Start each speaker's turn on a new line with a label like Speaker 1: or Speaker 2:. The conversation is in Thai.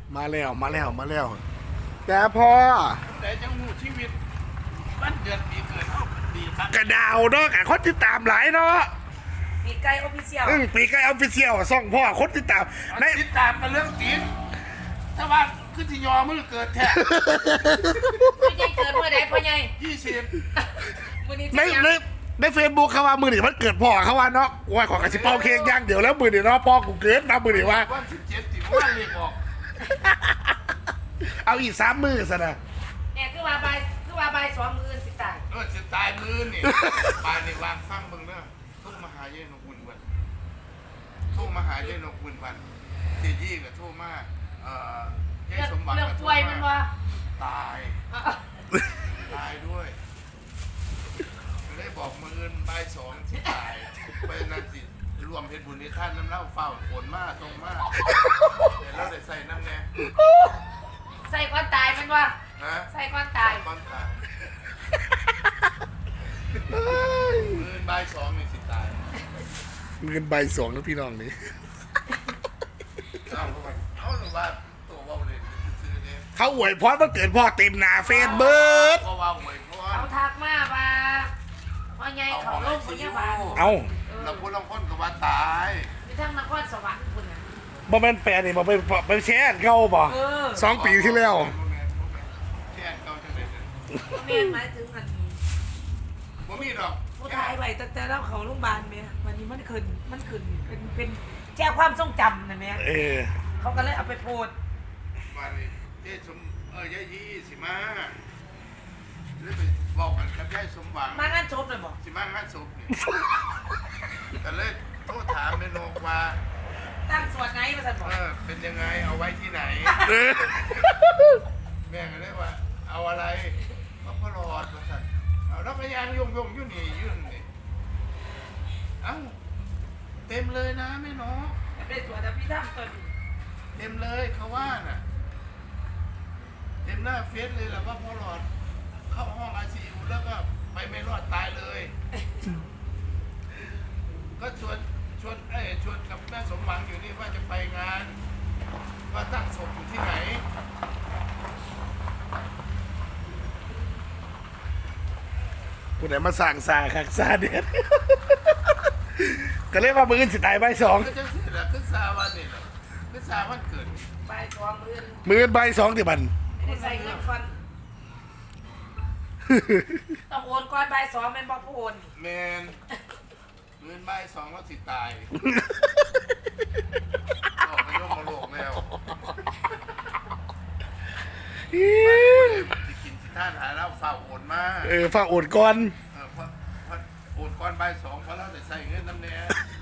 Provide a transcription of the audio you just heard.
Speaker 1: มาแล้วแต่พอ
Speaker 2: แต่จังหูชีวิตวันเดือนปีเกิดเขาดีครับ
Speaker 1: กระดาวเนาะกะคนติดตามหลายเนาะ
Speaker 3: ปีไก่ออฟฟิเชียล
Speaker 1: ปีใกล้ออฟฟิเชียลซ่องพ่อคนติดตามใน
Speaker 2: ติดตามกันเรื่องตีนถ้าว่าคือที่ยอมือเกิดแท้
Speaker 3: พ่อใหญ่เกิดเมื่อใดพ่อใหญ่
Speaker 2: 20
Speaker 3: มื้อนี้
Speaker 1: ใน
Speaker 3: จะยัง
Speaker 1: ในเฟซบุ๊กเขาว่ามือนี่มันเกิดพ่อเขาว่าเนาะว่าขอกระชิบเป้าเค้กย่างเดี๋ยวแล้วมือนี่เนาะพ่อกูเกิดนะมือนี่ว่า
Speaker 2: วัน17ที่ว่าเรียกออก
Speaker 1: เอาอีก3 มือซะนะ
Speaker 3: เนี่ยคือว่าใบาย2 มื้อสิตาย
Speaker 2: จะตายมือนี่ปานนี่วางฟังเบิ่งเด้อทุกมาหาเย็นนกบุญวันทุกมาหาเย็นนกบุญวันเจยี่กับทุกมาเจ๊สมหวัง
Speaker 3: เรื่อง
Speaker 2: กับ
Speaker 3: ป่วยมันว่า
Speaker 2: ตายด้วยไม่ได้บอกมือใบาย2ที่ตายไปนั่นสิรวมเพชรบุญในท่านน้ำเล่าเฝ้าผลมากตรงมากเดี๋ยวเราได้ใส่น้ำแน่
Speaker 3: ใส่ก่อนตายมันว่า
Speaker 2: ฮะ
Speaker 3: ใส่ก่อนตาย
Speaker 2: ก้อนตายมือใบาย2นี่สิตาย
Speaker 1: เงินใบ2แล้วพี่น้องนี่
Speaker 2: เอาหรือว่าตัวว่าเลยซื้อเนี่ย
Speaker 1: เขาอวยพรวันเกิดพ่อเต็มหน้าเฟซเบิร์ด
Speaker 2: เพราะว่าหวยเพราะว่า
Speaker 3: เขาทักมาว่าพ่อใหญ่เขาลงพยาบาล
Speaker 1: เอา
Speaker 2: เราพูดลองคนกับว่าตาย
Speaker 3: มีทั้งนครสวรรค์พุ่นน่ะ
Speaker 1: บ่แม่นแปลนี่บ่ไปแชร์เขาบ่ 2 ปีที่แล้ว
Speaker 2: แค่เก่าจังเลย
Speaker 3: แม่นหมายถึงอันนี้
Speaker 2: บ่มีดอก
Speaker 3: ผู้ชายไว้แต่เราเขาโรงพยาบาลแม่วันนี้มันขึ้นเป็นแจ้งความทรงจำนะแม่
Speaker 1: เออ
Speaker 3: เขาก็เลยเอาไปโพสต์
Speaker 2: วันนี้เจ๊สมยายยี่สิมาหรือไปบอกกันกับยายสมหวัง
Speaker 3: มางานจบเลยบอก
Speaker 2: สิมางานศพนี่ก็เลยโทษถามแม่นกว่า
Speaker 3: ตั้งส่วนไหนมาสั่นบอก
Speaker 2: เป็นยังไงเอาไว้ที่ไหน แม่ก็เลยว่า เอาอะไรก็พอรอดมาสั่นเอาแล้วก็ยางยงอยู่นี่ยื่นนี่เอ้าเต็มเลยนะแม่นก
Speaker 3: เป็นส่วนแต่พี่ทำตัวนี้
Speaker 2: เต็มเลยเขาว่าน่ะเต็มหน้าเฟซเลยแหละว่าพอรอดเข้าห้องไอซียูแล้วก็ไปไม่รอดตายเลย ก็ชวนกับแม่สมหวังอยู่นี่ว่าจะไปงาน ว่าตั้งศพอยู่ที่ไหน
Speaker 1: ผู้ใดมาสั่งซาคักซาเด็ด ก็เลยว่ามืออื่นสิตายใบ2
Speaker 2: ก็จะเสียละขึ้นซาวันนี่แหละขึ้นซาวันเกิด
Speaker 3: ใบสองมื่น
Speaker 1: มืออื่นใบ2ที่บัน
Speaker 3: ไม่ได้ใส่เงินฟันต้องโอนก่อนใบสองเป็นบอกผู้โอนนี่
Speaker 2: แมนเงินใบ2แล้วสิตายออกไปโยกมาโลกแล้วสิกินสิท่านหาแล้วฝ่าโอนมา
Speaker 1: ฝากโอดก่อน
Speaker 2: เพราะโอนก้อนใบ2เพราะเราได้ใส่เงินน้ำแน่